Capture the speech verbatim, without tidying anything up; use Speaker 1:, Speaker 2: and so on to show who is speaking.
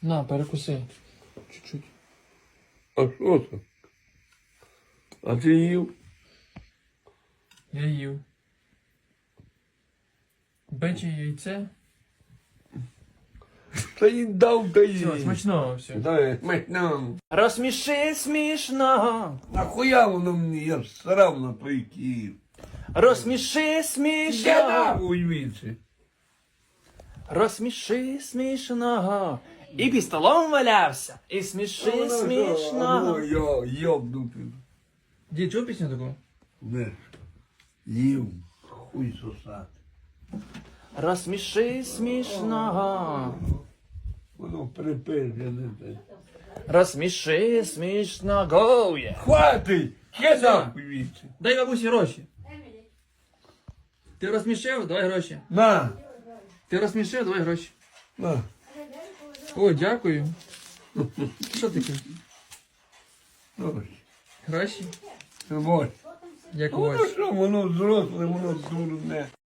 Speaker 1: На, перекуси. Чуть-чуть.
Speaker 2: А що це? А ти їв?
Speaker 1: Я їв. Биче яйце.
Speaker 2: Та й дав, та й.
Speaker 1: Все, смачного все.
Speaker 2: Дай, смачно.
Speaker 1: Розсміши смішно.
Speaker 2: Нахуя воно мені, я ж срав на той Київ.
Speaker 1: Розсміши
Speaker 2: Я
Speaker 1: смішно.
Speaker 2: нахуй віці.
Speaker 1: Розсміши смішного. І під столом валявся. І сміши смішного.
Speaker 2: Я йобнутий.
Speaker 1: Дід, чув пісню таку?
Speaker 2: Не, їв, хуй сосати.
Speaker 1: Розсміши смішного.
Speaker 2: Воно припизджене. те.
Speaker 1: Розсміши смішного. Є.
Speaker 2: Хватить! Я нахуй віці.
Speaker 1: Дай бабусі гроші. Ти розсмішив? Давай гроші.
Speaker 2: На,
Speaker 1: Ти розсмішив? Давай гроші.
Speaker 2: на.
Speaker 1: О, дякую. Що таке?
Speaker 2: Ось,
Speaker 1: Гроші?
Speaker 2: ось.
Speaker 1: Як у
Speaker 2: Воно
Speaker 1: вас?
Speaker 2: що, воно зросле, воно дурне.